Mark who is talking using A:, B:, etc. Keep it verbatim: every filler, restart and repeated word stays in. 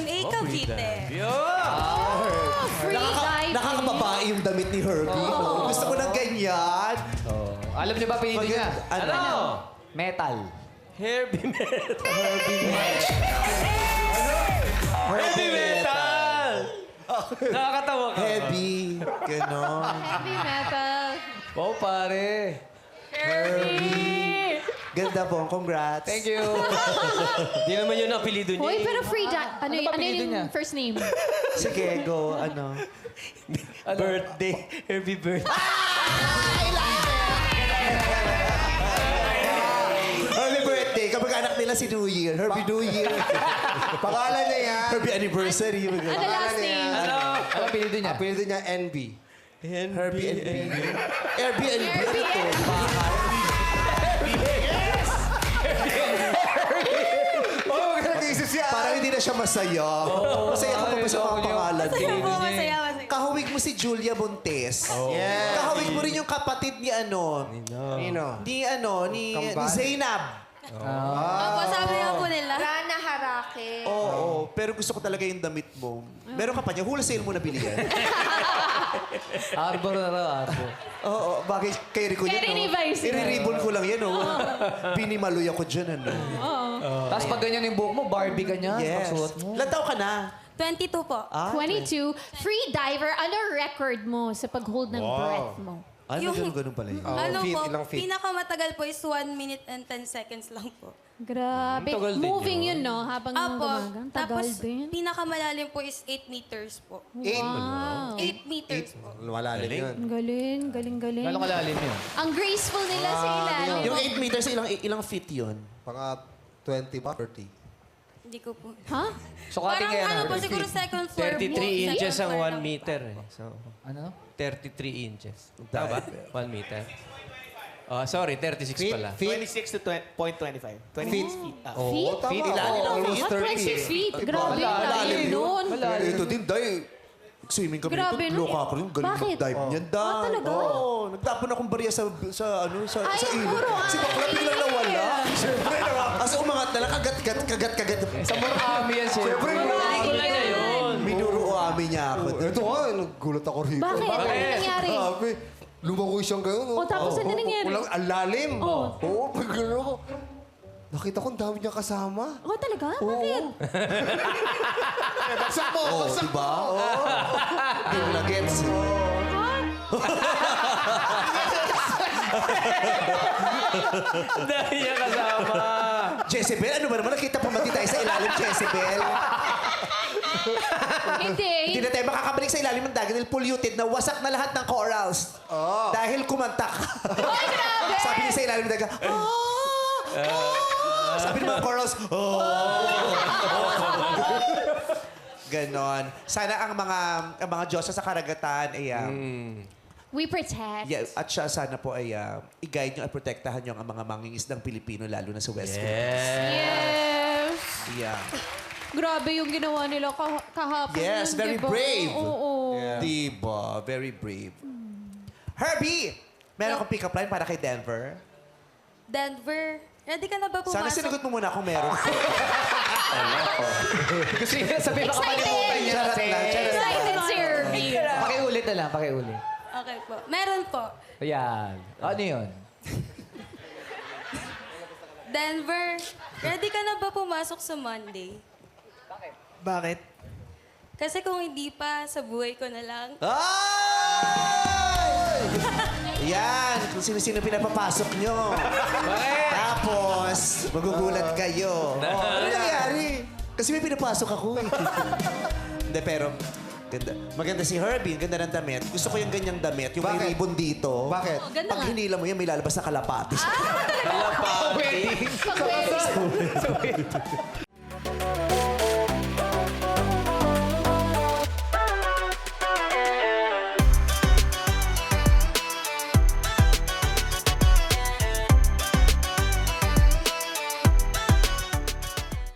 A: M A Cavite.
B: Free diving.
C: Nakakababae yung damit ni Herbie. Oh. Gusto ko ng ganyan.
D: Oh. Alam niyo ba pinili niya?
C: Ano?
D: Metal.
E: Herbie metal.
C: Herbie Metal.
E: Heavy metal! Nakakatawa ka.
C: Heavy. Ganon.
B: Heavy metal.
D: Oh, pare.
B: Herbie!
C: Ganda po. Congrats.
D: Thank you.
E: Di naman yun ang apelido niya.
B: Hoy,
E: eh.
B: pero free di- Ano,
D: Ano
B: y-
D: ba
B: ano
D: apelido
B: yung
D: niya?
B: first name?
C: Sige, go. Ano?
E: Birthday. Herbie birthday.
C: Herbie birthday. Kapag anak nila si New Year. Herbie New Year.
F: Pangalan niya yan.
C: Herbie anniversary.
B: Ano last
F: niya.
B: name?
E: Ano?
D: Ano apelido niya?
F: Apelido niya N B.
C: Herbie and B. Airbnb. Ano to? Bahay.
F: Oh, nag-iisip siya.
C: Parang hindi na siya masaya. Masaya ka pa ba sa mga pangalan?
A: Masaya po, masaya, masaya.
C: Kahawig mo si Julia Bontes.
F: Yes.
C: Kahawig mo rin yung kapatid ni ano.
F: Nino.
C: Ni ano, ni, ni
F: Kambal?
C: Zainab.
A: Opo, sabi nga po nila.
B: Rana Harake.
C: Oo, pero gusto ko talaga yung damit mo. Meron ka pa niya, wholesale mo nabili yan.
D: Arbor na raw, arbor.
C: Oo, bagay kay Rico
B: Kay
C: yan,
B: Rini
C: no?
B: Vice.
C: I-ribbon ko lang yan, oh. Binimaloy ako dyan, ano.
D: Tapos pag ganyan yung buhok mo, Barbie ka niya.
C: Yes.
D: Pagsuot mo.
C: Ilan taon ka na?
A: twenty-two po.
C: Ah,
B: twenty-two. Free diver. Ano record mo sa pag-hold ng breath mo?
C: Ano,
A: Yung-
C: ganun-ganun pala yun.
F: Oh,
A: ano
F: feet,
A: po,
F: ilang feet?
A: pinakamatagal po is one minute and ten seconds lang po.
B: Grabe.
E: Tagal din
B: Moving
E: yun.
B: yun, no? Habang
A: Apo,
B: gumagang. Tagal
A: tapos
B: din.
A: pinakamalalim po is eight meters po.
F: Eight.
B: Wow.
A: eight meters po.
F: Malalim yun.
B: Ang galing, galing, galing.
D: Gano'ng kalalim yun?
B: Ang graceful nila sa ilalim.
C: Yung eight meters, ilang ilang feet yun?
F: Mga twenty ba? thirty.
A: Hindi ko po.
B: Ha?
D: Sukatin
A: Parang
D: kaya
A: ano
D: na.
A: po, siguro second floor.
E: thirty-three
A: po.
E: inches
A: Second
E: ang
A: floor
E: one
A: lang po.
E: meter. Eh. So,
D: Ano?
E: thirty-three inches. Tama ba? one meter. Oh, sorry, thirty-six
F: Feet?
E: pala.
F: Feet?
G: twenty-six to point twenty-five. twenty-six feet. Ah.
B: Feet?
F: Tama.
C: Feet,
F: Oo,
C: ilalim ng
F: almost
B: What,
F: thirty.
B: twenty-six feet? Grabe,
C: Malalim
B: lalim
C: yun.
B: nun.
C: Ito din, day. Swimming kami
B: Grabe,
C: nito.
B: no?
C: Loka ako rin. Galing
B: Bakit?
C: mag-dive niyan, day.
B: Ah, talaga?
C: Oo. Nagtapon akong barya sa, sa, ano, sa,
B: Ay,
C: sa ilog.
B: puro
C: Si Bakla
B: ay.
C: biglang nawala. Siyempre, as umangat na lang, kagat, kagat, kagat, kagat.
D: Sa Murakami yan, siyempre.
E: Pelikula niya yun.
C: Minuro ami niya ako.
F: Ito nga, nagulat ako rito.
B: Bakit? Ano nangyari?
F: Grabe. Lumangoy siyang gano'n.
B: O, tapos ano nangyari?
F: Walang ang lalim.
B: Oo.
F: Oo, pag gano'n ako. Nakita ko ang dami niya kasama.
B: Oh, talaga? Bakit?
F: Bagsak mo!
C: Oo,
F: Bagsak
C: di ba? Oo. Hindi mo na gets.
E: Dahil niya kasama.
C: Jezebel, ano ba naman? Nakita pa mati tayo sa ilalim, Jezebel.
B: Hindi.
C: Hindi na tayo makakabalik sa ilalim ng dagat dahil polluted na wasak na lahat ng corals. Dahil kumantak.
B: Ay, grabe!
C: Sabi niya sa ilalim ng dagat, ah! Ah! Sabi ng mga corals, oh! Ganon. Sana ang mga ang mga Diyosa sa karagatan ay um,
B: We protect.
C: yeah, at siya sana po ay uh, i-guide nyo at protektahan nyo ang mga mangingisdang Pilipino lalo na sa West Philippines.
B: Yes.
C: Yeah.
B: Grabe yung ginawa nila kah- kahapon.
C: Yes,
B: yun,
C: very
B: diba?
C: brave.
B: Oo.
C: Diba? Very brave. Herbie! Meron akong pick-up line para kay Denver.
A: Denver, ready ka na ba pumasok?
C: Sana sinagot mo muna kung meron.
D: Gusto niya sabihin baka malimutan niya.
C: Charot lang, charot lang.
B: Excited si Herbie.
D: Pakiulit na lang, pakiulit.
A: Okay po. Meron po.
D: Ayan. Ano yun?
A: Denver, ready ka na ba pumasok sa Monday?
G: Bakit?
A: Kasi kung hindi pa, sa buhay ko na lang.
C: Ay! Yan, kung sino-sino pinapapasok nyo. Tapos, magugulat kayo. Ano nangyari? Kasi may pinapasok ako eh. Hindi, pero ganda. Maganda si Herbie, ganda ng damit. Gusto ko yung ganyang damit, yung may
F: Bakit?
C: ribbon dito.
F: Bakit?
B: Oh, ganda
C: Pag
B: nga.
C: hinila mo yan, may lalabas na kalapati.
B: Pag-wedding.